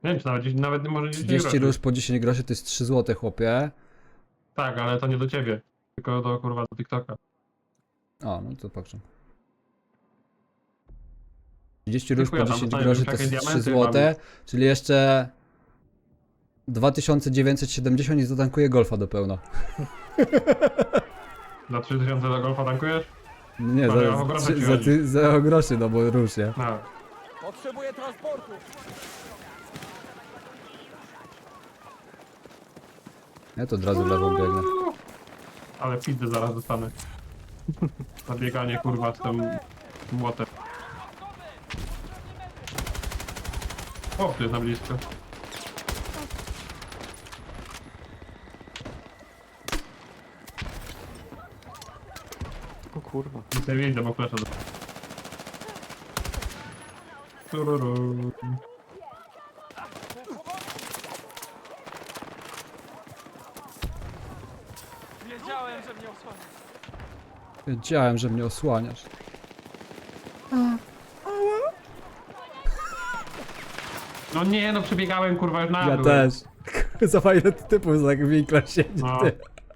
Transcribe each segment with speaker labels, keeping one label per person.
Speaker 1: Nie wiem, czy nawet może 10
Speaker 2: 30
Speaker 1: groszy.
Speaker 2: róż po 10 groszy to jest 3 zł, chłopie.
Speaker 1: Tak, ale to nie do ciebie. Tylko do kurwa do TikToka.
Speaker 2: O, no to patrzę. 30 róż po
Speaker 1: Dziękuję, tam
Speaker 2: 10
Speaker 1: dostaniesz
Speaker 2: groszy
Speaker 1: już
Speaker 2: to
Speaker 1: jakieś
Speaker 2: jest 3
Speaker 1: diamenty,
Speaker 2: zł,
Speaker 1: mamy.
Speaker 2: czyli jeszcze 2970 i zatankuję golfa do pełna.
Speaker 1: Za 3000 do golfa tankujesz?
Speaker 2: Nie,
Speaker 1: Panie, o grosze ci chodzi.
Speaker 2: za groszy, no bo róż, nie?
Speaker 1: No.
Speaker 3: Potrzebuję transportu.
Speaker 2: Ja to od razu lewą biegnę.
Speaker 1: Ale pizdę zaraz dostanę. Zabieganie kurwa z tym młotem. O, tu jest na blisko.
Speaker 4: O kurwa.
Speaker 1: Nic nie widzę, bo flesza do... Tururu.
Speaker 3: Wiedziałem, że mnie osłania.
Speaker 2: Wiedziałem, że mnie osłaniasz.
Speaker 1: No nie, no przebiegałem kurwa już na
Speaker 2: Ja
Speaker 1: dół.
Speaker 2: też. Za ile typów za winkla siedzi,
Speaker 1: No.
Speaker 2: ty.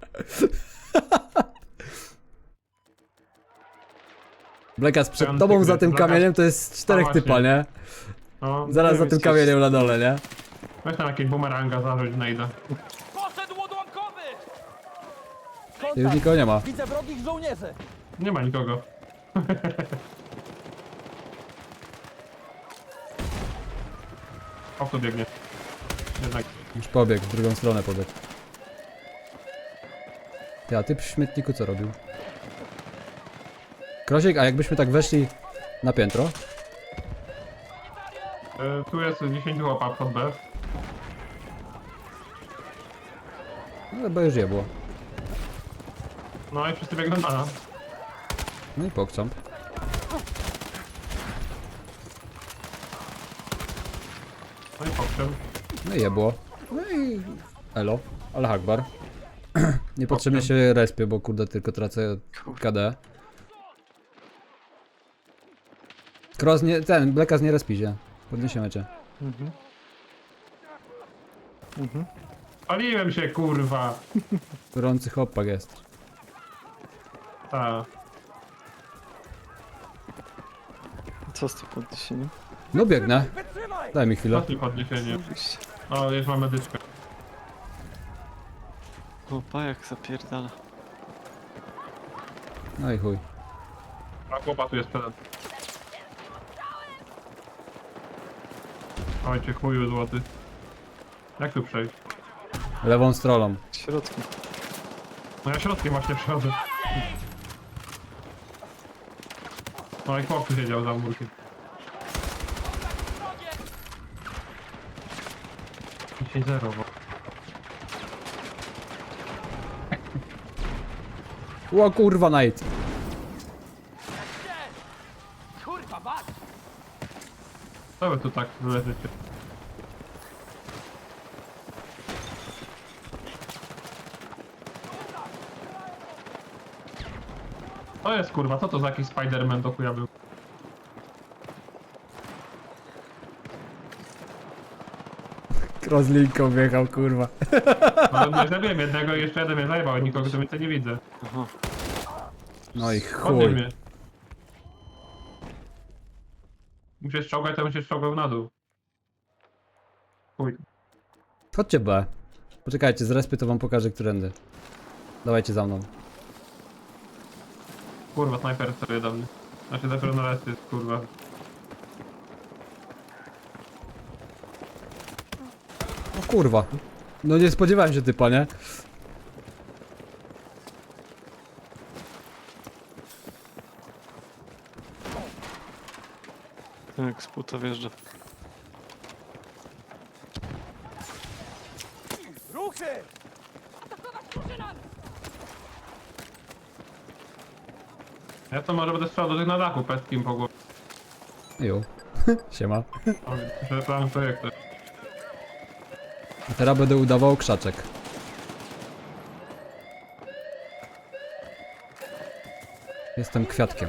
Speaker 2: Blekas, przed
Speaker 1: Ten
Speaker 2: tobą
Speaker 1: tygrys,
Speaker 2: za tym
Speaker 1: Blekas.
Speaker 2: kamieniem to jest 4
Speaker 1: właśnie.
Speaker 2: typa, nie?
Speaker 1: No,
Speaker 2: Zaraz
Speaker 1: nie
Speaker 2: za
Speaker 1: wiem,
Speaker 2: tym kamieniem na dole, nie?
Speaker 1: weź tam jakieś bumeranga zarzuć, znajdę.
Speaker 3: Poszedł odłamkowy!
Speaker 2: Ty już nikogo nie ma.
Speaker 3: Widzę wrogich żołnierzy.
Speaker 1: Nie ma nikogo. O, tu biegnie. Jednak.
Speaker 2: Już pobiegł, w drugą stronę pobiegł. Ty, a typ w śmietniku co robił? Krosiek, a jakbyśmy tak weszli na piętro?
Speaker 1: Tu jest 10 łopa pod B.
Speaker 2: No chyba już je było.
Speaker 1: No i wszyscy biegną na nas.
Speaker 2: No i pokczam.
Speaker 1: No i pokrzem.
Speaker 2: No i je było. No i... Elo. Ale Akbar. Niepotrzebnie się respię, bo kurde tylko tracę KD. Cross nie... ten, Blekas nie respi się. Podniesiemy cię.
Speaker 4: Mhm. Mhm.
Speaker 1: Paliłem się kurwa.
Speaker 2: Gorący chłopak jest.
Speaker 1: Ta.
Speaker 4: Co z tym podniesieniem?
Speaker 2: No biegnę.
Speaker 3: Wytrzymaj!
Speaker 2: Daj mi chwilę.
Speaker 1: Ostatni podniesienie.
Speaker 4: Wyjście.
Speaker 1: O, już mam medyczkę.
Speaker 4: O, pajak zapierdala.
Speaker 2: No i chuj.
Speaker 1: A chłopa tu jest pedant. Ojcie chuju złoty. Jak tu przejść?
Speaker 2: Lewą stroną.
Speaker 4: W środku.
Speaker 1: No ja środkiem właśnie przechodzę. No i chłop tu siedział za murkiem. 10-0, bo...
Speaker 2: O kurwa, Night.
Speaker 3: Kurwa, mać!
Speaker 1: Co wy tu tak leżycie? To jest kurwa, co to za jakiś Spider-Man do chuja był?
Speaker 2: Cross linką wjechał, kurwa.
Speaker 1: No nie zabiłem jednego i jeszcze jeden mnie zajebał, nikogo tu więcej nie widzę.
Speaker 4: Aha.
Speaker 2: No i
Speaker 1: Podnieś
Speaker 2: chuj.
Speaker 1: mnie. Musisz czołgać, to musisz czołgał na dół. Chuj.
Speaker 2: Chodźcie B. Poczekajcie, z respy to wam pokażę, którędy. Dawajcie za mną.
Speaker 1: Kurwa, snajper sobie do mnie. Znaczy dopiero na resty jest kurwa.
Speaker 2: O kurwa. No nie spodziewałem się typa, nie?
Speaker 4: Tak, z buta wjeżdża.
Speaker 3: Ruchy!
Speaker 1: Ja to może będę strzelał do tych na dachu pestkim po głowie.
Speaker 2: Jo. Siema.
Speaker 1: O, że plan projektu.
Speaker 2: A teraz będę udawał krzaczek. Jestem kwiatkiem.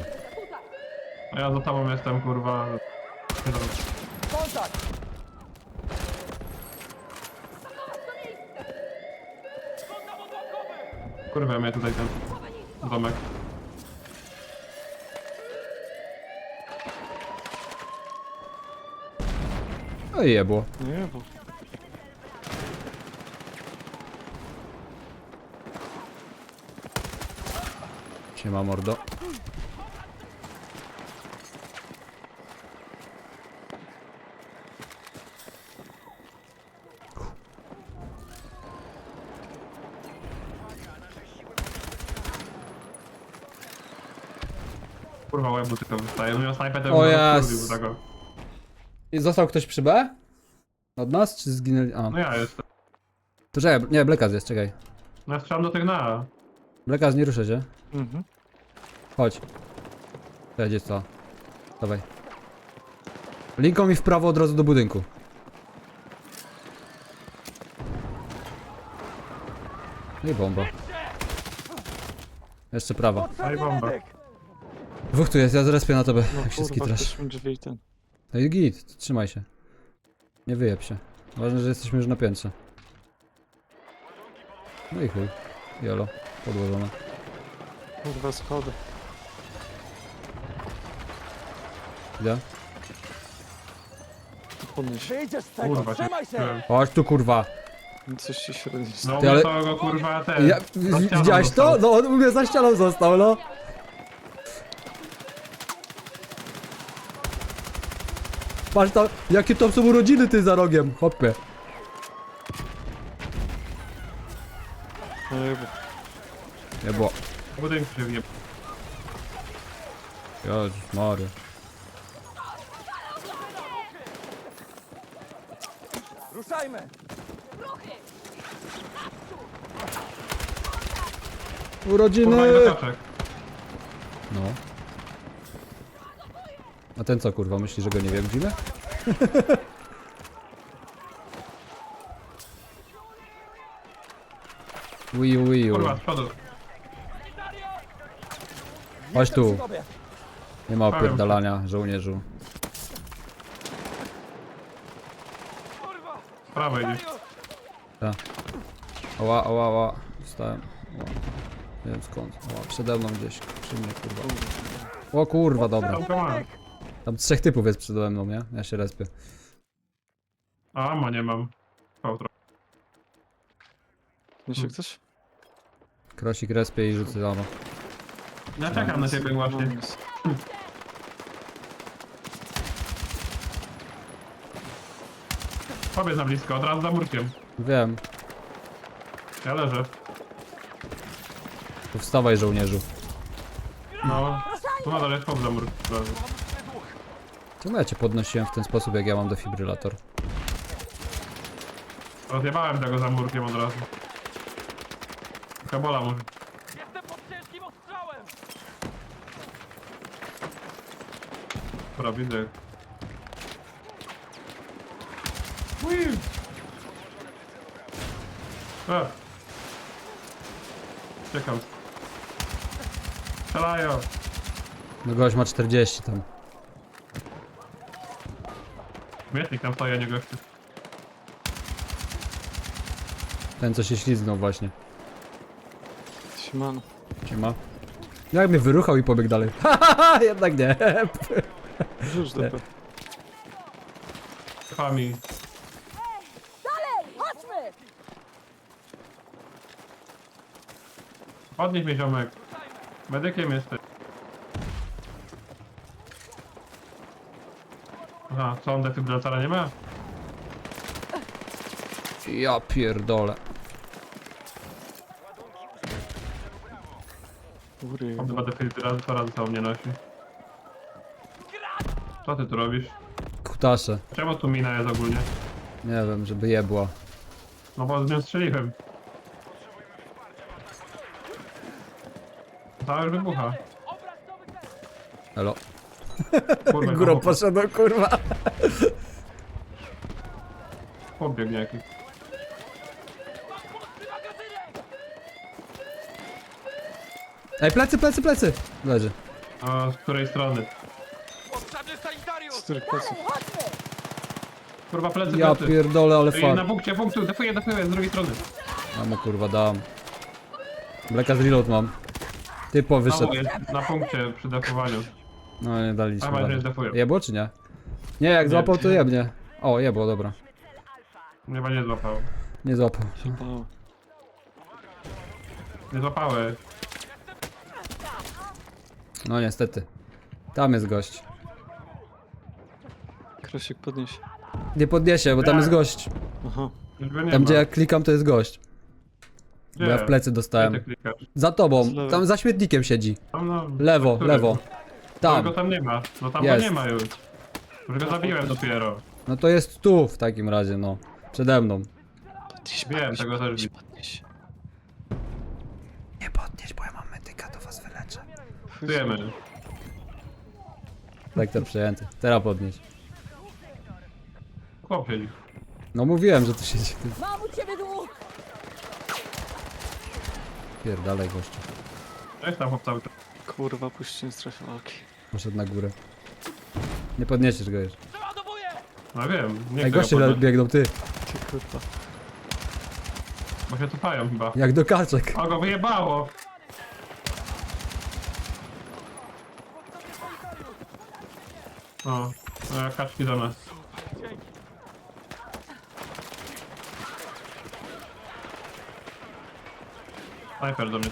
Speaker 1: A ja za tobą jestem kurwa.
Speaker 3: Kontakt!
Speaker 1: Kurwa, mnie tutaj ten domek.
Speaker 2: No i jebło.
Speaker 4: Nie, bo...
Speaker 2: Siema mordo.
Speaker 1: Kurwa, łebu tylko wystaje. Miał snajpę, to
Speaker 2: O
Speaker 1: bym
Speaker 2: jas.
Speaker 1: rozkurwił tego.
Speaker 2: I został ktoś przy B? Od nas, czy zginęli? A,
Speaker 1: No ja jestem.
Speaker 2: to czekaj, nie, Blekaz jest, czekaj.
Speaker 1: No ja strzelam do tych na.
Speaker 2: Blekaz, nie ruszę się.
Speaker 4: Mhm.
Speaker 2: Chodź. Jedzie co? Dawaj. Linką mi w prawo od razu do budynku. No i bomba. Jeszcze prawa.
Speaker 1: Daj bombę.
Speaker 2: Dwóch tu jest, ja zrespię na tobie,
Speaker 4: No
Speaker 2: jak się
Speaker 4: kurwa,
Speaker 2: skitrasz.
Speaker 4: ktoś mi drzwi i ten.
Speaker 2: No i git, trzymaj się. Nie wyjeb się. Ważne, że jesteśmy już na piętrze. No i chuj. Jolo, podłożone.
Speaker 4: Kurwa, schody.
Speaker 2: Idę.
Speaker 4: Podnieś.
Speaker 3: Wyjdziesz z tego,
Speaker 1: Kurwa,
Speaker 3: trzymaj się!
Speaker 2: Chodź tu kurwa.
Speaker 4: Coś ci średnio
Speaker 1: No
Speaker 2: Ty, ale-
Speaker 1: ale... to go kurwa ten.
Speaker 2: Ja,
Speaker 1: za ścianą
Speaker 2: widziałeś to?
Speaker 1: został.
Speaker 2: No on u mnie za ścianą został, no. Patrz tam, jakie tam są urodziny ty za rogiem, hopie.
Speaker 4: Nie, bo...
Speaker 2: Nie było.
Speaker 1: W budynku się wje.
Speaker 2: Jezus Maria.
Speaker 3: Ruszajmy!
Speaker 2: Urodziny!
Speaker 1: Kurwa, nie dokaczek.
Speaker 2: No. A ten co kurwa, myśli, że go nie widzimy? Wiu.
Speaker 1: Kurwa, z przodu.
Speaker 2: Chodź tu.
Speaker 3: Przy tobie.
Speaker 2: Nie ma opierdalania, żołnierzu.
Speaker 3: Kurwa!
Speaker 1: Z prawej idzie.
Speaker 2: Ała. Dostałem. Ała. Nie wiem skąd. Ała, przede mną gdzieś. Przy mnie kurwa. O kurwa, dobra.
Speaker 1: Tam go mam.
Speaker 2: Tam trzech typów jest przede mną, nie? Ja się respię.
Speaker 1: A, ma nie mam. Pautro.
Speaker 4: Niesie ktoś?
Speaker 2: Krosik respię i rzucę rano.
Speaker 1: Ja czekam na ciebie właśnie. Powiedz na blisko, od razu za murkiem.
Speaker 2: Wiem.
Speaker 1: Ja leżę.
Speaker 2: To wstawaj żołnierzu.
Speaker 1: No. Tu nadal jest chłop za murkiem.
Speaker 2: Czemu ja cię podnosiłem w ten sposób, jak ja mam defibrylator?
Speaker 1: Rozjebałem tego za murkiem od razu. Kabola może.
Speaker 3: Jestem pod ciężkim ostrzałem!
Speaker 1: Dobra, widzę. Ui. Czekam. Strzelają.
Speaker 2: No gość ma 40 tam.
Speaker 1: Mietnik tam stoi, a nie gościu.
Speaker 2: Ten co się ślizgnął właśnie.
Speaker 4: Siemano.
Speaker 2: Siema. Jak mnie wyruchał i pobiegł dalej. Haha, jednak nie.
Speaker 4: Rzuć do P.
Speaker 1: Fami.
Speaker 5: Chodźmy!
Speaker 1: Podnieś mnie ziomek. Medykiem jesteś. Aha, co on defibrylatora nie ma?
Speaker 2: Ja pierdolę.
Speaker 4: Góry.
Speaker 1: On chyba defibrylatora ze sobą nie nosi. Co ty tu robisz?
Speaker 2: Kutasze.
Speaker 1: Czemu tu mina jest ogólnie?
Speaker 2: Nie wiem, żeby jebła.
Speaker 1: No bo z nią strzeliłem. Cała już wybucha.
Speaker 2: Elo.
Speaker 1: Kurwa,
Speaker 2: Górą
Speaker 1: chłop-
Speaker 2: poszedł, kurwa.
Speaker 1: chłop biegnie jakiś.
Speaker 2: Ej, plecy! Leży.
Speaker 1: A z której strony?
Speaker 3: Potrzebny sanitariusz!
Speaker 4: Z których pleców?
Speaker 5: Chodźmy!
Speaker 1: Kurwa, plecy,
Speaker 2: Ja
Speaker 1: plecy.
Speaker 2: pierdolę, ale
Speaker 1: I na
Speaker 2: fuck.
Speaker 1: punkcie, defuję, z drugiej strony.
Speaker 2: Ja mu kurwa dam. Blacka z reload mam. Typo wyszedł.
Speaker 1: Znowu jest na punkcie przy defowaniu.
Speaker 2: No nie daliśmy.
Speaker 1: Chyba, że
Speaker 2: rady.
Speaker 1: defują.
Speaker 2: Jebło czy nie? Nie, jak
Speaker 1: Nie.
Speaker 2: złapał to jebnie. O, jebło, dobra.
Speaker 1: Chyba nie złapał.
Speaker 2: Nie złapał.
Speaker 4: O,
Speaker 1: Nie złapały.
Speaker 2: No niestety. Tam jest gość.
Speaker 4: Krosiek podnieś.
Speaker 2: Nie podniesie, bo tam
Speaker 1: Nie.
Speaker 2: jest gość.
Speaker 4: Aha.
Speaker 1: Już go nie
Speaker 2: Tam
Speaker 1: ma.
Speaker 2: gdzie ja klikam to jest gość. Bo
Speaker 1: Gdzie?
Speaker 2: ja w plecy
Speaker 1: Gdzie
Speaker 2: dostałem.
Speaker 1: ty klikasz?
Speaker 2: Za tobą,
Speaker 4: Z lewej.
Speaker 2: tam za śmietnikiem siedzi.
Speaker 1: Tam no.
Speaker 2: Lewo,
Speaker 1: który?
Speaker 2: lewo.
Speaker 1: Tam.
Speaker 2: Tam.
Speaker 1: Go tam nie ma. No tam
Speaker 2: Jest.
Speaker 1: go nie ma już. Już go zabiłem dopiero.
Speaker 2: No to jest tu w takim razie, no. Przede mną.
Speaker 4: Podnieś,
Speaker 1: Wiem, tego też
Speaker 4: podnieś,
Speaker 1: widzę.
Speaker 4: podnieś.
Speaker 2: Nie podnieś, bo ja mam medyka, to was wyleczę.
Speaker 1: Wiemy.
Speaker 2: Sektor przejęty. Teraz podnieś.
Speaker 1: Chłop siedzi.
Speaker 2: No mówiłem, że tu siedzi. Ty
Speaker 5: Mam u ciebie dług!
Speaker 2: pierdalej gościu.
Speaker 1: Jest tam chłop cały czas.
Speaker 4: Kurwa, puść nie strefy walki.
Speaker 2: Poszedł na górę. Nie podniesiesz go już.
Speaker 3: Przeładowuję!
Speaker 1: No wiem. Nie
Speaker 2: Ej,
Speaker 1: chcę
Speaker 2: goście
Speaker 1: go podnieść,
Speaker 2: biegną, ty.
Speaker 4: Ty kurwa.
Speaker 1: bo się cofają chyba.
Speaker 2: Jak do kaczek.
Speaker 1: O, go wyjebało! O, no, kaczki do nas. Snajper do mnie.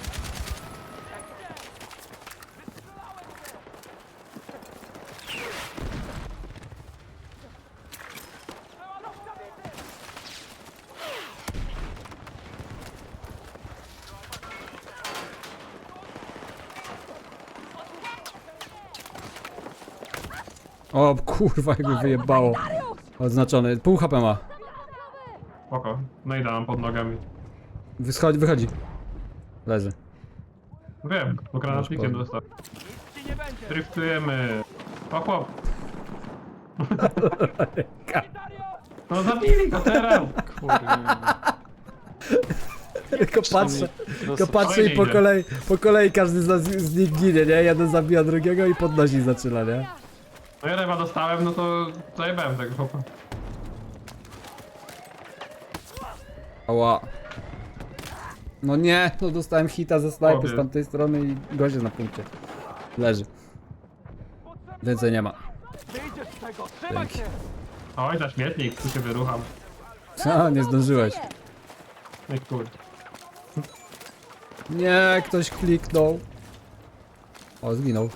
Speaker 2: O kurwa, jakby wyjebało. Oznaczony. Pół HP ma.
Speaker 1: Spoko. No i dam pod nogami.
Speaker 2: Wychodzi. Leży.
Speaker 1: Wiem, bo granatnikiem
Speaker 2: Masz
Speaker 1: dostał.
Speaker 3: Ci nie będzie!
Speaker 1: Driftujemy. O chłop.
Speaker 3: Sanitario!
Speaker 1: No zabili go teraz!
Speaker 4: Kurwa.
Speaker 2: Tylko patrzę. Tylko patrzę i
Speaker 1: Fajnie idzie.
Speaker 2: po kolei każdy z nich ginie, nie? Jeden zabija drugiego i podnosi zaczyna, nie?
Speaker 1: No ja chyba dostałem, no to zajebałem tego chłopa.
Speaker 2: Ała. No nie, no dostałem hita ze snajpy z
Speaker 1: Obie.
Speaker 2: tamtej strony i gość jest na punkcie. Leży. Więcej nie ma.
Speaker 3: Wyjdziesz z tego! Trzymaj
Speaker 2: Dzięki.
Speaker 3: się!
Speaker 1: Oj, za śmietnik, tu się wyrucham.
Speaker 2: A, nie zdążyłeś.
Speaker 1: Ej kur.
Speaker 2: Nie, ktoś kliknął. O, zginął.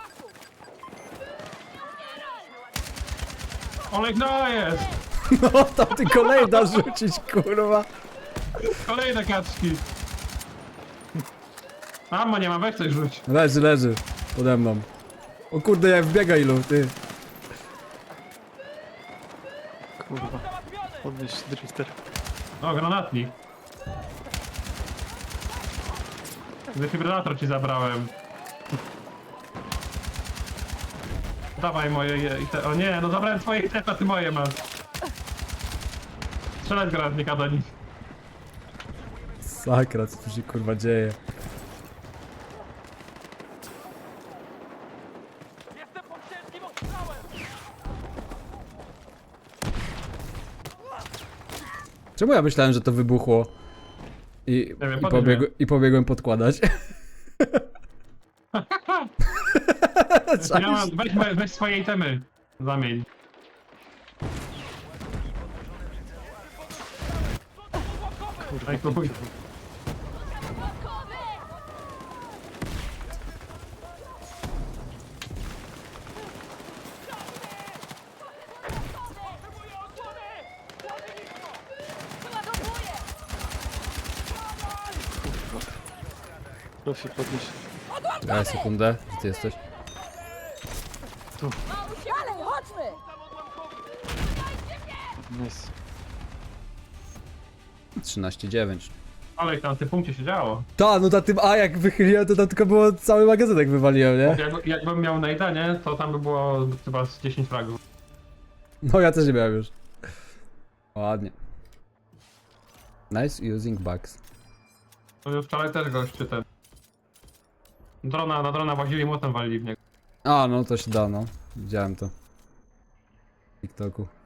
Speaker 1: Olej, no jest!
Speaker 2: No, tam ty kolejna rzucić, kurwa.
Speaker 1: Kolejne kaczki! Mamo, nie mam, weź coś rzuć.
Speaker 2: Leży. Pode mną. O kurde, jak wbiega ilu, ty.
Speaker 4: Kurwa. Podnieś drifter.
Speaker 1: O, granatnik. Defibrylator ci zabrałem. Dawaj moje o nie, no zabrałem twoje i ty moje masz. Strzelać granatnika do nich.
Speaker 2: Sakra, co tu się kurwa dzieje?
Speaker 3: Jestem pod ciężkim ostrzałem!
Speaker 2: Czemu ja myślałem, że to wybuchło?
Speaker 1: Nie wiem, podnieś mnie.
Speaker 2: I pobiegłem podkładać.
Speaker 1: Ja mam, weź swoje itemy. Zamień.
Speaker 4: Kurwa.
Speaker 1: Ej, kupuj.
Speaker 4: Krosiek podnieś.
Speaker 2: Daj sekundę, gdzie ty jesteś?
Speaker 5: Dalej, chodźmy!
Speaker 4: Nice.
Speaker 2: 13,9.
Speaker 1: Ale jak tam w tym punkcie się działo.
Speaker 2: Ta, no na tym A jak wychyliłem, to tam tylko było cały magazynek wywaliłem, nie?
Speaker 1: Jakbym miał najda, nie? To tam by było chyba z 10 fragów.
Speaker 2: No ja też nie miałem już. Ładnie. Nice using bugs.
Speaker 1: To już wczoraj też goście ten. Na drona włazili i młotem walili w niego.
Speaker 2: A, no to się da, no. Widziałem to. W TikToku.